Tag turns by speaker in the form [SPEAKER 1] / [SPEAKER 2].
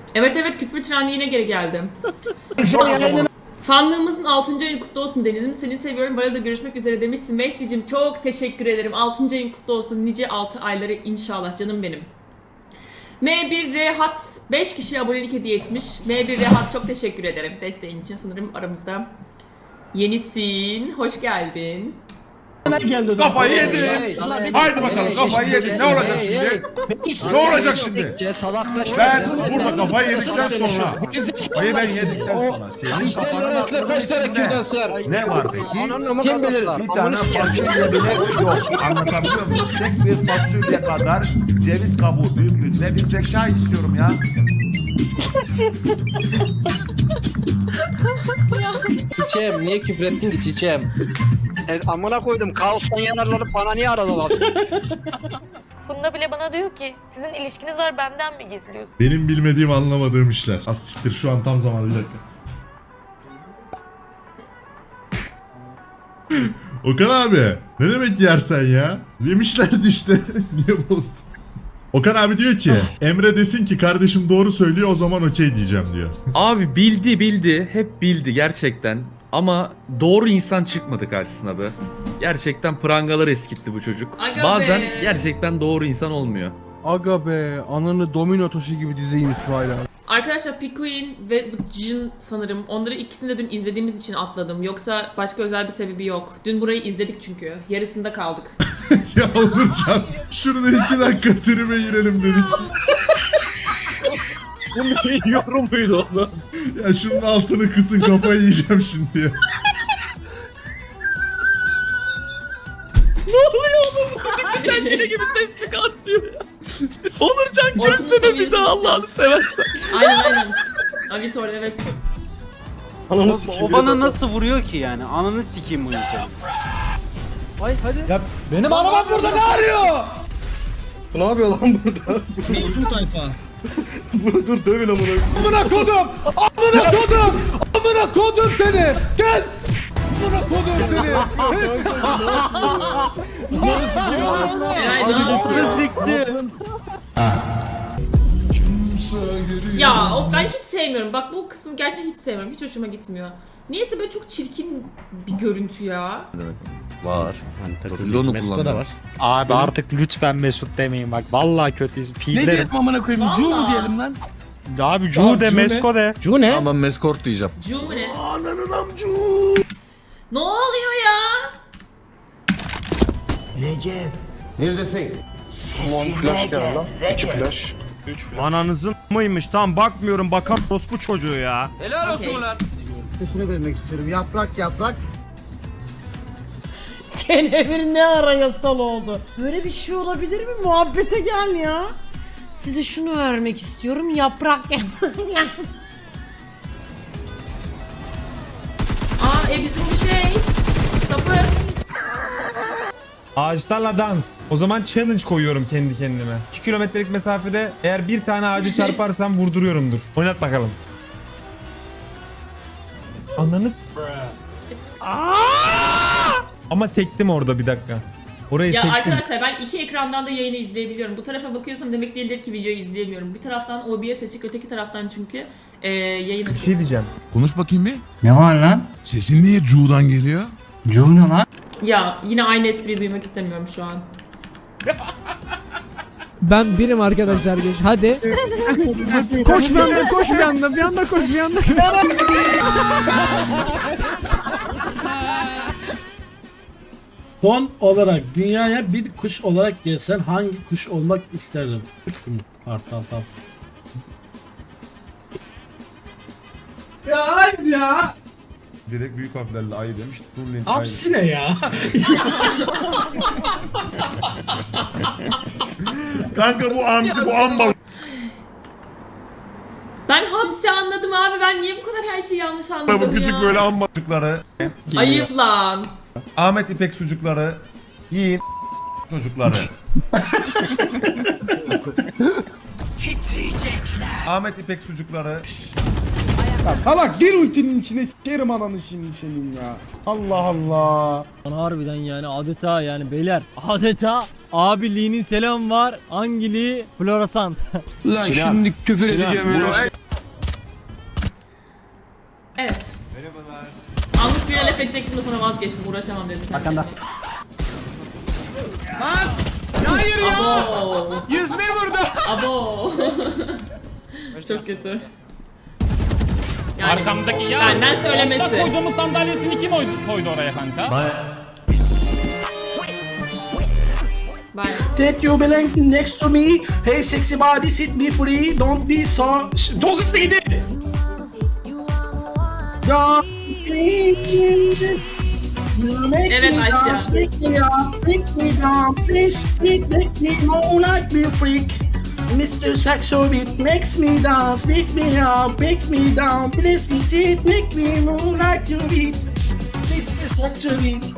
[SPEAKER 1] Evet küfür trendi yine geri geldi. Fanlığımızın 6. ayını kutlu olsun Deniz'im. Seni seviyorum. Böyle görüşmek üzere demişsin. Mehdi'cim çok teşekkür ederim. 6. ayın kutlu olsun. Nice 6 ayları inşallah canım benim. M1 Rehat 5 kişiye abonelik hediye etmiş. M1 Rehat çok teşekkür ederim desteğin için. Sanırım aramızda yenisin. Hoş geldin.
[SPEAKER 2] Kafayı yedin. Haydi bakalım kafayı yedin. Ne olacak şimdi? Ne olacak şimdi? Ben burada kafayı yedikten sonra. Kafayı ben yedikten sonra. Senin kafanın
[SPEAKER 3] kaç tane kürdan sığar?
[SPEAKER 2] ne var peki?
[SPEAKER 3] Kim bilir?
[SPEAKER 2] Bir tane fasulye bile yok. Anlatabiliyor muyum? Tek bir fasulye kadar ceviz kabuğu büyüklüğünde bir zeka istiyorum ya.
[SPEAKER 3] Çiçeğim niye küfrettin ki çiçeğim?
[SPEAKER 4] Amına koydum. Kaostan yanarları bana niye aradılar?
[SPEAKER 5] Funda bile bana diyor ki sizin ilişkiniz var benden mi gizliyorsun?
[SPEAKER 6] Benim bilmediğim anlamadığım işler. Az siktir şu an tam zamanı bir dakika. Okan abi ne demek yersen ya? Yemişlerdi işte. Niye bozdun? Okan abi diyor ki Emre desin ki kardeşim doğru söylüyor o zaman okey diyeceğim diyor.
[SPEAKER 7] Abi bildi hep bildi gerçekten ama doğru insan çıkmadı karşısına be. Gerçekten prangalar eskitti bu çocuk.
[SPEAKER 1] Aga
[SPEAKER 7] Bazen
[SPEAKER 1] be.
[SPEAKER 7] gerçekten doğru insan olmuyor.
[SPEAKER 8] Aga be, ananı domino taşı gibi dizeyim İsmail abi.
[SPEAKER 1] Arkadaşlar Pikuin ve Jin sanırım. Onları ikisini de dün izlediğimiz için atladım. Yoksa başka özel bir sebebi yok. Dün burayı izledik çünkü. Yarısında kaldık.
[SPEAKER 6] Ya Onurcan şurada 2 dakika tribe girelim dedik.
[SPEAKER 9] Bu bir yorum muydu oğlum?
[SPEAKER 6] Ya şunun altını kısın kafayı yiyeceğim şimdi ya.
[SPEAKER 7] Tencere gibi ses çıkartıyor ya. Onurcan
[SPEAKER 1] Orkun'un
[SPEAKER 7] görsene bir
[SPEAKER 1] seviyesini
[SPEAKER 7] daha Allah'ını seversen.
[SPEAKER 1] Aynen. Avitor evet.
[SPEAKER 4] O bana nasıl vuruyor ki yani? Ananı sikeyim bu insanı.
[SPEAKER 8] Ay hadi.
[SPEAKER 3] Ya
[SPEAKER 8] Benim arabam burada ne arıyor?
[SPEAKER 3] ne yapıyor lan burada?
[SPEAKER 8] Uzun tayfa.
[SPEAKER 3] Dur dövün amına.
[SPEAKER 8] Amına kodum! Amına kodum! Amına kodum seni! Gel! Amına kodum seni!
[SPEAKER 1] Eray ne yapıyorsun? Ya ben hiç sevmiyorum. Bak bu kısmı gerçekten hiç sevmiyorum. Hiç hoşuma gitmiyor. Niyeyse böyle çok çirkin bir görüntü ya.
[SPEAKER 7] Var. Profilde
[SPEAKER 3] Mesut'ta da var.
[SPEAKER 10] Abi artık lütfen Mesut demeyin bak vallahi kötüyüz. Pizlerim.
[SPEAKER 3] amına koyayım?
[SPEAKER 1] Cu mu diyelim
[SPEAKER 3] lan?
[SPEAKER 10] Abi Cu de Mesko de.
[SPEAKER 3] Cu ne?
[SPEAKER 7] Ama ben Meskort diyeceğim.
[SPEAKER 1] Cu mu ne? Ne oluyor ya?
[SPEAKER 10] Ananızın mıymış tam bakmıyorum bakan bu çocuğu ya.
[SPEAKER 4] Helal olsun lan.
[SPEAKER 8] Sesini vermek istiyorum. Yaprak yaprak.
[SPEAKER 11] Kenevir ne ara yasal oldu? Böyle bir şey olabilir mi? Muhabbete gel ya. Size şunu vermek istiyorum. Yaprak
[SPEAKER 1] Bizim bir şey. Sapı.
[SPEAKER 10] Ağaçlarla dans. O zaman challenge koyuyorum kendi kendime. 2 kilometrelik mesafede eğer bir tane ağacı çarparsam vurduruyorumdur. Oynat bakalım. Ananız. Ama sektim orada bir dakika. Orayı
[SPEAKER 1] Ya
[SPEAKER 10] sektim.
[SPEAKER 1] arkadaşlar ben iki ekrandan da yayını izleyebiliyorum. Bu tarafa bakıyorsam demek değildir ki videoyu izleyemiyorum. Bir taraftan OBS açık, öteki taraftan çünkü yayın
[SPEAKER 10] Bir
[SPEAKER 1] açık.
[SPEAKER 10] şey diyeceğim.
[SPEAKER 2] Konuş bakayım bir.
[SPEAKER 9] Ne var lan?
[SPEAKER 2] Sesin niye Cu'dan geliyor?
[SPEAKER 9] Cu ne lan?
[SPEAKER 1] Ya yine aynı espriyi duymak istemiyorum şu an.
[SPEAKER 8] Ben birim arkadaşlar geç. Hadi. Koş bir anda, koş bir anda, bir anda koş bir anda.
[SPEAKER 9] Son olarak dünyaya bir kuş olarak gelsen hangi kuş olmak isterdin? Uçkun kartal saz. Ya hayır ya.
[SPEAKER 2] Direkt büyük harflerle ayı demiş. Turlin
[SPEAKER 9] Hapsi ne ya?
[SPEAKER 2] Kanka bu amca bu amba.
[SPEAKER 1] Ben hamsi anladım abi. Ben niye bu kadar her şeyi yanlış anladım
[SPEAKER 2] Bu küçük
[SPEAKER 1] ya?
[SPEAKER 2] böyle amba çocukları.
[SPEAKER 1] Ayıp lan.
[SPEAKER 2] Ahmet İpek sucukları. Yiyin çocukları. Ahmet İpek sucukları.
[SPEAKER 8] Ya salak gir ultinin içine sikerim ananı şimdi senin ya. Allah Allah.
[SPEAKER 3] Harbiden yani adeta yani beyler adeta abiliğinin selam var. Hangiliği floresan.
[SPEAKER 4] Lan şimdi küfür edeceğim.
[SPEAKER 1] Evet. Merhabalar. Anlık bir laf edecektim de sonra vazgeçtim. Uğraşamam dedim.
[SPEAKER 3] Arkanda.
[SPEAKER 8] Hayır ya.
[SPEAKER 1] Abo.
[SPEAKER 8] Yüzme burada.
[SPEAKER 1] Abo. Çok kötü. Yani
[SPEAKER 4] Arkamdaki ya.
[SPEAKER 1] benden söylemesi.
[SPEAKER 4] Koyduğumuz sandalyesini kim koydu oraya kanka?
[SPEAKER 1] Bye.
[SPEAKER 3] That you belong next to me. Hey sexy body sit me free. Don't be so... Çok hızlı gidi.
[SPEAKER 1] Evet Asya.
[SPEAKER 3] Mr. Saxo beat makes me dance, pick me up, pick me down, please me sit, make me move like you beat. Mr. Saxo beat.